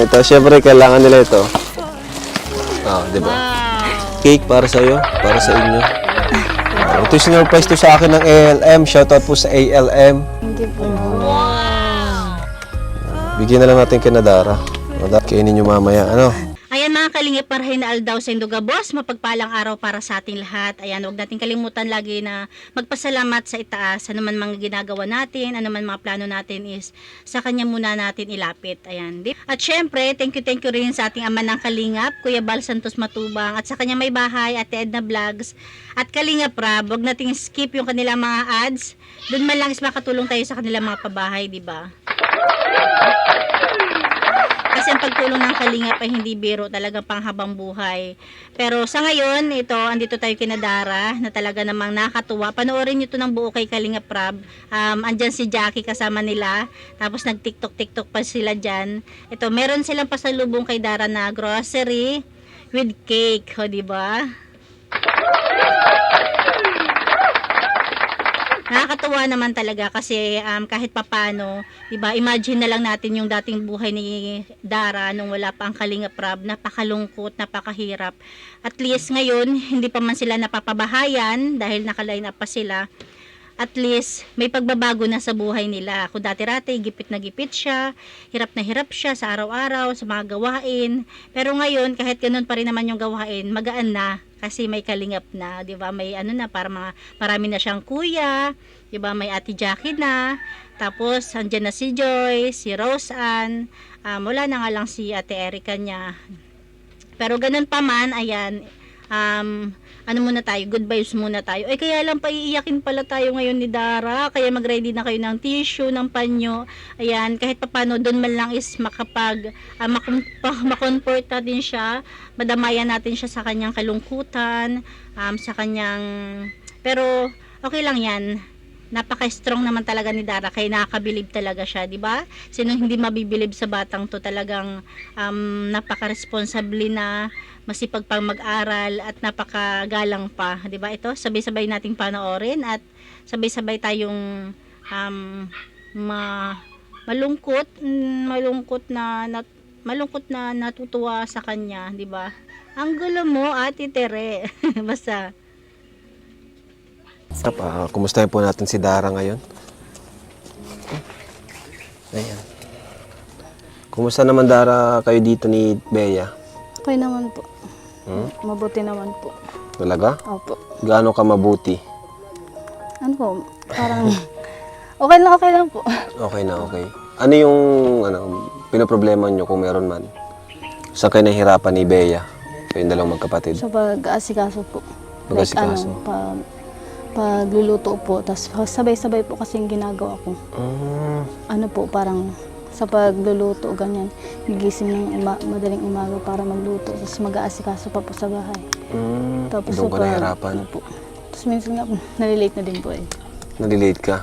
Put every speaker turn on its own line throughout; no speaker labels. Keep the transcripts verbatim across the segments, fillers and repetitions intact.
ito, syempre kailangan nila ito. Ah, di ba? Cake para sa iyo, para sa inyo. Ah, ito yung sinurprise to sa akin ng A L M. Shoutout po sa A L M.
Hindi po.
Bigyan na lang natin kay Nadara. Nadara, kainin nyo mamaya. Ano?
Ayan mga kalingap, parahin na aldaw sa Indogabos, mapagpalang araw para sa ating lahat. Ayan, huwag natin kalimutan lagi na magpasalamat sa itaas. Ano man mga ginagawa natin, ano man mga plano natin is sa kanya muna natin ilapit. Ayan. At syempre, thank you, thank you rin sa ating ama ng kalingap, Kuya Bal Santos Matubang, at sa kanya may bahay, Ate Edna Vlogs, at Kalingap Rab. Huwag nating skip yung kanilang mga ads. Doon man lang is makatulong tayo sa kanilang mga pabahay, di ba? Kasi ang pagtulong ng kalingap ay hindi biro, talagang panghabang buhay. Pero sa ngayon, ito, andito tayo kina Dara, na talaga namang nakatuwa. Panoorin nyo ito ng buo kay Kalingap Rab. Um, andyan si Jackie kasama nila. Tapos nag-tiktok-tiktok pa sila dyan. Ito, meron silang pasalubong kay Dara na grocery with cake. O, diba? Nakakatuwa naman talaga kasi um, kahit papano, diba, imagine na lang natin yung dating buhay ni Dara nung wala pa ang Kalingap Rab, napakalungkot, napakahirap. At least ngayon, hindi pa man sila napapabahayan dahil naka-line up pa sila. At least, may pagbabago na sa buhay nila. Kung dati-rati, gipit na gipit siya, hirap na hirap siya sa araw-araw, sa mga gawain. Pero ngayon, kahit ganun pa rin naman yung gawain, magaan na. Kasi may kalingap na, 'di ba? May ano na, para mga marami na siyang kuya, 'di ba? May Ate Jackie na. Tapos andyan na si Joy, si Rose Ann, um, wala na nga lang si Ate Erica niya. Pero ganun pa man, ayan, um, ano muna tayo, good vibes muna tayo. Ay, kaya lang paiiyakin pala tayo ngayon ni Dara, kaya mag-ready na kayo ng tissue, ng panyo. Ayan, kahit papano doon man lang is makapag uh, makomfort natin siya, madamayan natin siya sa kanyang kalungkutan, um, sa kanyang, pero okay lang yan. Napaka-strong naman talaga ni Dara, kaya nakakabilib talaga siya, di ba? Sinong hindi mabibilib sa batang to, talagang um, napaka-responsable na, masipag pang mag-aral at napakagalang pa, di ba? Ito, sabay-sabay nating panoorin at sabay-sabay tayong um, ma malungkot, malungkot na, na malungkot na natutuwa sa kanya, di ba? Ang gulo mo, Ate Tere. Basta
Uh, kumustahin po natin si Dara ngayon. Ayan. Kumusta naman Dara kayo dito ni Bea?
Okay naman po.
Hmm?
Mabuti naman po.
Talaga?
Opo.
Gaano ka mabuti?
Ano po, parang okay lang, okay lang po.
Okay na, okay. Ano yung ano, pinoproblema nyo kung meron man? Saan kayo nahihirapan ni Bea? Kayong dalawang magkapatid?
Sa pag-aasikaso po.
Pag-aasikaso?
Like ano, pag, pagluluto po. Tapos sabay-sabay po kasi yung ginagawa ko.
Mm.
Ano po, parang sa pagluluto, ganyan. Gigising ng uma, madaling umaga para magluto. Tapos mag-aasikaso pa po sa bahay.
Mm.
Tapos
Doon ka
pag-
nahihirapan?
Ano po. Tapos minsan nga po, nalilate na din po eh.
Nalilate ka?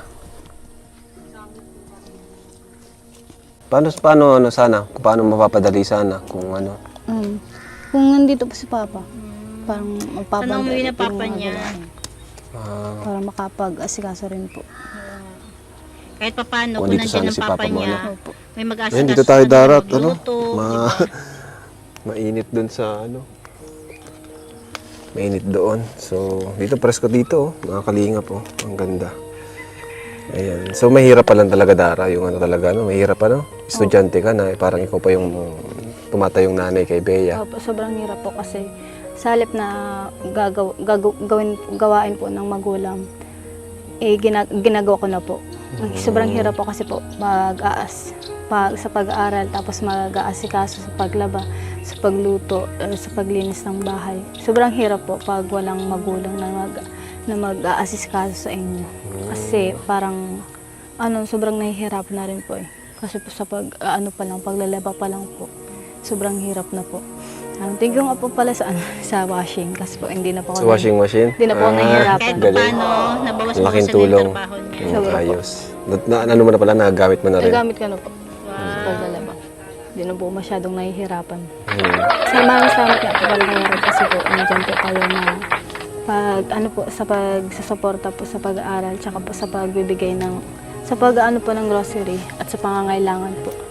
Paano, paano ano sana? Kung paano mapapadali sana? Kung ano?
Um, kung nandito po si Papa, parang magpapadali.
Tanong mo yun na
po yung
papa
mga
niya.
gawain.
Ah,
Para makapag-asikaso rin po.
kahit papano,
Kung
kung
dito
nandiyan
sana
ang
si
papa
Papa mo,
niya,
ano?
Opo.
may mag-asikaso.
ayun, dito tayo darat. Ano?
magluto,
Ma
diba?
Mainit dun sa ano. Mainit doon. So, dito presko dito. Oh. Mga kalingap po. Oh. Ang ganda. Ayan. So, mahirap pa lang talaga Dara. Yung ano talaga, no? Mahirap pa, no? Estudyante ka na. Eh, parang ikaw pa yung tumatayong nanay kay Bea.
Opo, sobrang hirap po kasi sa halip na gagaw, gagaw, gawin, gawain po ng magulang, eh gina, ginagawa ko na po. Sobrang hirap po kasi po mag-aas, pag, sa pag-aaral, tapos mag-aasikaso sa paglaba, sa pagluto, eh, sa paglinis ng bahay. Sobrang hirap po pag walang magulang na mag na mag-aasikaso sa inyo. Kasi parang ano, sobrang nahihirap na rin po eh. Kasi po sa pag ano pa lang, paglalaba pa lang po. Sobrang hirap na po. Um, thank you nga po pala sa, ano, sa washing kasi po hindi na po
Sa
ako
washing machine?
Hindi na po ako nahihirapan.
Kahit
Galing.
paano, nabawas mo
Laking
sa
tulong.
trabaho niya.
Mm,
Sobra po.
ayos. Na, na, ano mo na pala, nagagamit mo na rin?
Nagamit ka na po sa paglalaba. Hindi na po masyadong nahihirapan.
Hmm.
Sa mga salamat nga po pala kay Rod kasi po nandiyan po kayo na pag ano po sa pagsusuporta po sa pag-aaral tsaka po sa pagbibigay ng sa pag ano po ng grocery at sa pangangailangan po.
Hmm.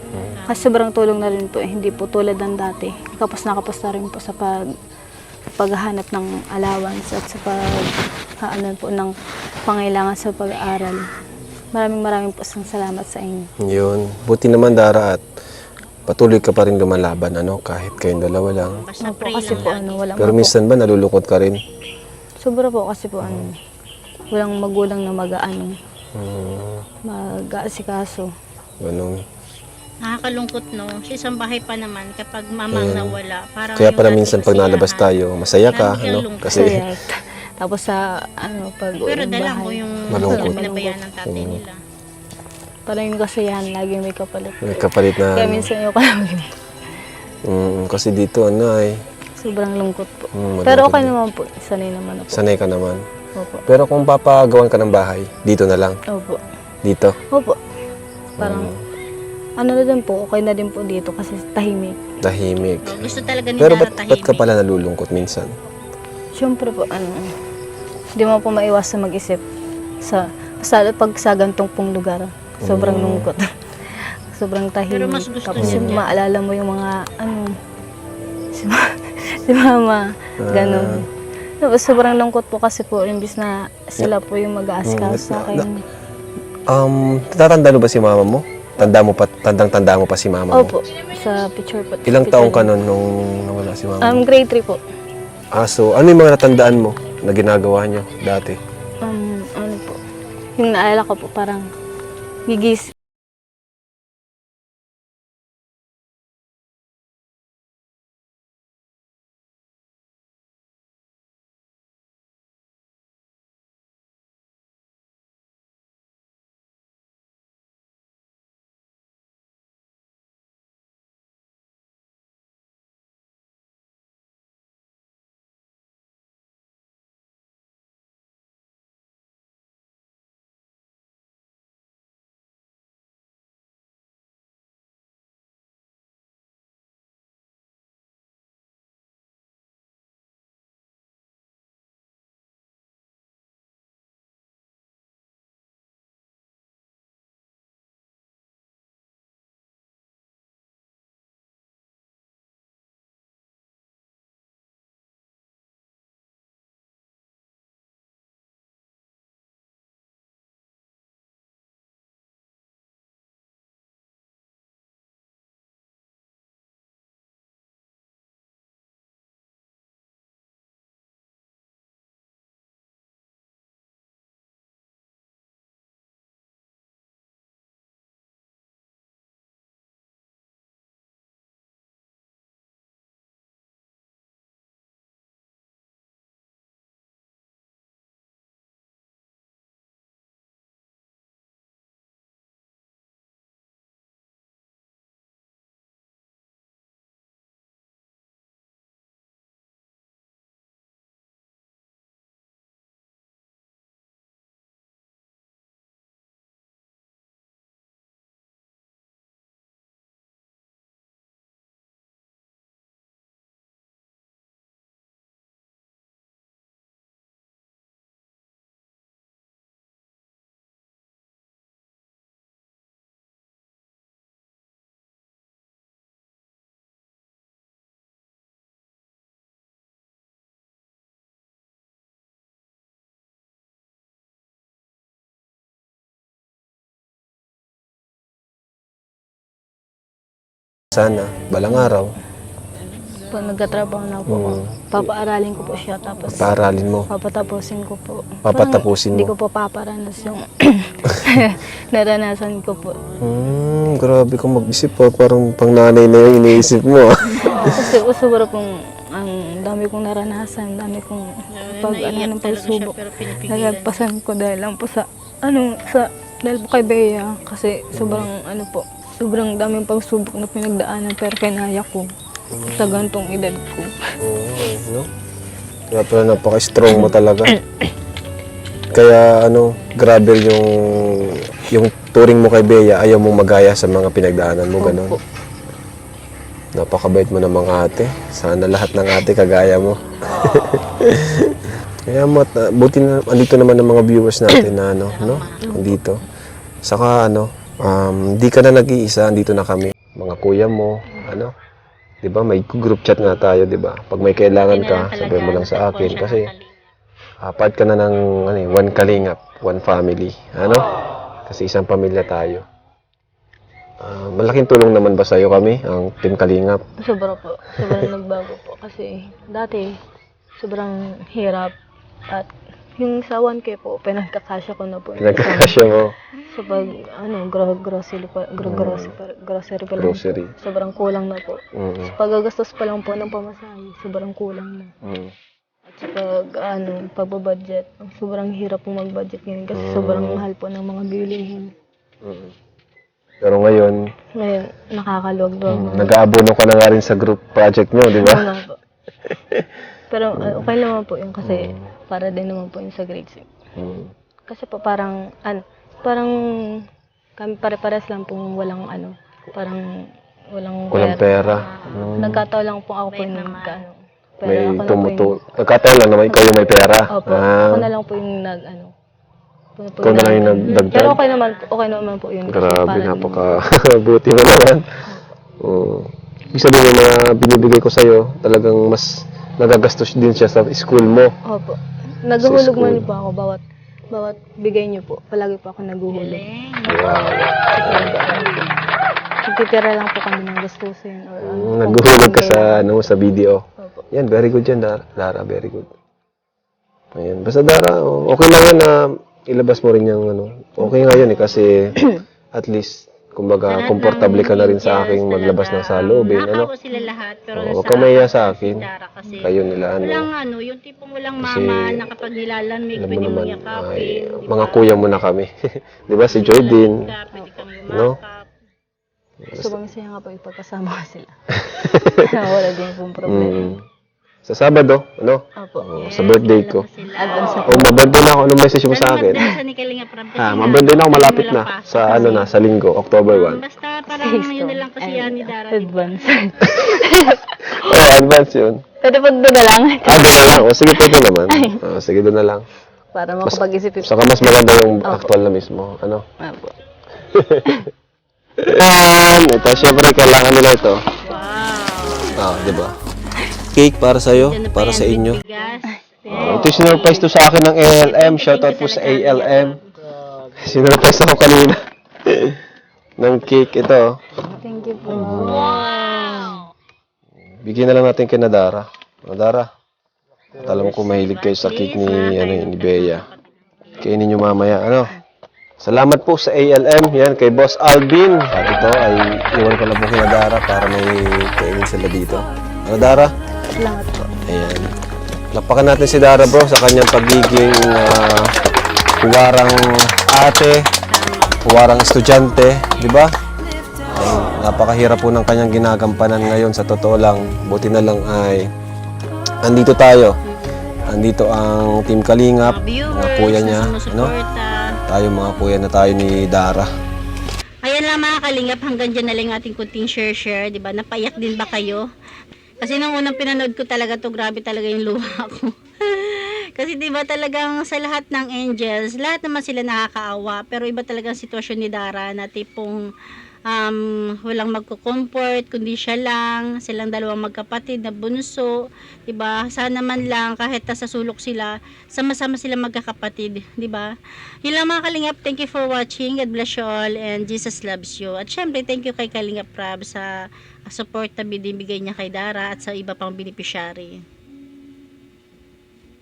Kasi sobrang tulong na rin po eh. Hindi po tulad ng dati. Kapos na kapos na rin po sa pag paghahanap ng allowance at sa pag ano po ng pangailangan sa pag-aaral. Maraming maraming po isang salamat sa inyo.
Yun. Buti naman, Dara, at patuloy ka pa rin lumalaban, ano, kahit kayong dalawa lang.
Basta
Opo,
pray
kasi
lang
po
lagi.
ano, walang
Pero
magu-
minsan ba nalulungkot ka rin?
sobra po kasi po ano, walang magulang na mag-ano,
Hmm,
mag-aasikaso.
ganun.
Nakakalungkot, no? Sa isang bahay pa naman, kapag mamang
Mm.
nawala, parang
Kaya
yung
pala
dating
minsan pag nalabas
kasiyahan.
tayo, masaya ka,
Lagi kang
ano?
lungkot.
Kasi,
Kaya, tapos sa ano, pag uwi
Pero
ng
dala
bahay,
mo yung
Malungkot.
yung pinabayaan ng tatay
Mm.
nila.
parang yung kasiyahan, lagi may kapalit.
may kapalit na,
Kaya
ano.
minsan yung kalamig,
Mm, kasi dito, ano, ay,
sobrang lungkot po.
mm,
Pero
malungkot
okay
din.
naman po, sanay naman ako.
Sanay ka naman.
Opo.
Pero kung papagawan ka ng bahay, dito na lang.
Opo.
Dito.
Opo. Parang,
Mm,
ano na din po, okay na din po dito kasi tahimik.
tahimik.
So, gusto talaga ni
Pero
Dara
ba't, ba't ka
tahimik.
pala nalulungkot minsan?
Siyempre po, ano, hindi mo po maiwasan mag-isip sa, sa pag sa gantong pong lugar. Sobrang
Mm.
lungkot. Sobrang tahimik.
Pero mas gusto
Tapos
niya
yung
dyan.
maalala mo yung mga, ano, si, ma- si mama, ganun. Tapos sobrang lungkot po kasi po, imbis na sila po yung mag-aasikaso
Mm,
sa akin.
Um, tatanda mo ba si mama mo? Tanda mo pa, tandang-tanda mo pa si mama mo?
Opo, sa picture po.
Ilang
picture
taong ka
din.
nun nung nawala si mama mo?
Um, grade three po.
Ah, so, ano yung mga natandaan mo na ginagawa niyo dati?
Um, ano po, yung naalala ko po parang gigis.
Sana, balang araw,
Pag nagkatrabaho na po ako,
Mm.
papaaralin ko po siya tapos
paaralin mo.
papatapusin ko po.
Papatapusin
Parang Hindi
mo.
ko po paparanas yung naranasan ko po.
Hmm, grabe kang mag-isip pa. Parang pang nanay na yung iniisip mo. ah.
Kasi po sobra pong ang dami kong naranasan, dami kong pag ano
Naiiyak
ng
talaga siya,
pagsubok.
pero pinipigilan.
Nagagpasan ko dahil lang po sa ano sa dahil po kay Bea kasi sobrang ano po, sobrang daming pagsubok na pinagdaanan pero kinaya ko sa gantong edad ko.
Oo, no? Kaya pala napaka-strong mo talaga. Kaya ano, grabe yung yung turing mo kay Bea, ayaw mong magaya sa mga pinagdaanan mo, ganun.
Opo.
Napakabait mo ng mga ate. Sana lahat ng ate kagaya mo. Kaya mat, buti na, andito naman ng mga viewers natin na ano, no? Andito. Saka ano, um, di ka na nag-iisa, andito na kami. mga kuya mo, ano. 'Di ba? May group chat nga tayo, 'di ba? Pag may kailangan ka, sabihin mo lang sa akin kasi apat ka na ng ano, eh, one kalingap, one family, ano? Kasi isang pamilya tayo. Ah, malaking tulong naman ba sa'yo kami, ang Team Kalingap?
Sobra po. Sobrang nagbago po. Kasi dati, sobrang hirap. At yung sa one K po, pinagkakasya ko na po.
Pinagkakasya mo,
So pag, ano, gro grocery pa, gro grocery, pa- grocery pa lang
grocery.
po. Sobrang kulang na po.
Mm,
Pagagastos pa lang po ng pamasahe, sobrang kulang na.
mm.
At sa pag, ano, pagbabudget, sobrang hirap po mag-budget ngayon kasi sobrang mahal po ng mga bilihin.
Mm. Pero ngayon,
Ngayon, nakakaluwag-luwag
mm,
na.
nag-aabono ka na nga rin sa group project nyo, di ba?
Ano po. Pero uh, okay naman po yun kasi para din naman po yun sa grade six.
Mm.
Kasi po parang, ano, parang kami pare-pares lang pong walang ano, parang walang
Walang pera. Mm.
Nagkataon lang po ako po yung nag, ano, pero
May
ako na po
tumutu...
yung,
Nagkataon lang naman ikaw yung may pera.
opo,
Ah,
ako na lang po yung nag, ano, po, po
ikaw na lang yung
nag-
nagdagdag.
Pero okay naman, po- okay naman po yun. kasi
Grabe,
para din-
napaka-buti mo naman. Oo. Ibig sabihin yung mga binibigay ko sa'yo, talagang mas nagagastos din siya sa school mo.
Opo. Naghuhulog
school.
man po ako bawat bawat bigay niyo po. Palagi po ako naghuhulog. Nagtitira lang po kami ng gastusin. Or, ano,
Mm,
kung
Naghuhulog ka
kailangan.
sa, ano, sa video.
Opo.
Yan, very good yan, Dara. Dara, very good. Ayan. Basta Dara, oh, okay lang yan na ilabas mo rin yung ano. Okay nga yun eh, kasi at least, kumbaga, komportable ka na rin sa aking maglabas ng salubin. Ano?
Nakako sila lahat, pero
Oo, huwag ka mahiya sa akin.
si Dara kasi
Kayo nila, ano.
walang ano, yung tipong walang
Kasi,
mama na kapag nilalamig,
Alam mo
pwede mo
naman,
yakapin.
ay,
di
mga
ba?
kuya mo na kami. Di ba, si Joy din.
Ka, pwede kang
No?
yumakap.
Sobrang saya nga po ipagkasama ko sila. Wala din pong problema.
Mm. Sa Sabado, ano?
Opo.
Oh, sa birthday ko.
Sila.
Advance na po.
Oh, mabirthday na ako. Anong message mo sa
Salamat
akin?
din sa ni Kalinga Prab kasi
Ah,
nga,
mabirthday na ako.
hindi
Malapit
mo
na.
lang pasok
Sa
kasi.
ano na, sa linggo, October
Um,
first.
basta parang yun na lang kasi yan ni Dara. di ba?
Advance.
Oh, advance yun.
Pwede po doon na lang.
Ah, doon na lang. O, sige, pwede naman. Oh, sige, doon na lang.
Para makapag-isip.
Saka mas maganda yung actual na mismo. Ano?
Opo.
Yan. Ito, syempre, kailangan nila ito.
Wow.
Ah, di ba? Cake para sa'yo,
Diyan na pa
para
yan,
sa inyo.
bigas.
Oh, ito sinurprise to sa akin ng A L M. Shoutout po sa A L M. Sinurprise ako kanina. ng cake ito.
Thank you po.
Bigyan na lang natin kay Nadara. Nadara. At alam ko mahilig kayo sa cake ni, ano, ni Bea. Kainin nyo mamaya. Ano? Salamat po sa A L M. Yan, kay Boss Alvin. At ito ay iwan ko lang po kay Nadara para may kainin sila dito. Ano, Dara?
Salamat po.
Ayan. Lapakan natin si Dara, bro, sa kanyang pagiging uh, huwarang ate, huwarang estudyante, di ba? Ay, napakahirap po ng kanyang ginagampanan ngayon, sa totoo lang. Buti na lang ay andito tayo. Andito ang Team Kalingap,
Mga viewers,
mga kuya niya,
na
ano?
sumusuporta.
Tayo mga kuya na tayo ni Dara.
Ayan lang mga kalingap, hanggang dyan na lang yung ating kunting share-share, di ba? Napaiyak din ba kayo? Kasi nung unang pinanood ko talaga to, grabe talaga yung luha ko. Kasi di ba talagang sa lahat ng angels, lahat naman sila nakakaawa, pero iba talagang sitwasyon ni Dara na tipong um, walang magko-comfort, kundi siya lang, silang dalawang magkapatid na bunso, di ba? Sana man lang kahit sa sulok sila, sama-sama sila magkakapatid, di ba? Yun lang mga Kalingap, thank you for watching, God bless you all, and Jesus loves you. At syempre, thank you kay Kalingap Prab sa support na binibigay niya kay Dara at sa iba pang beneficiary.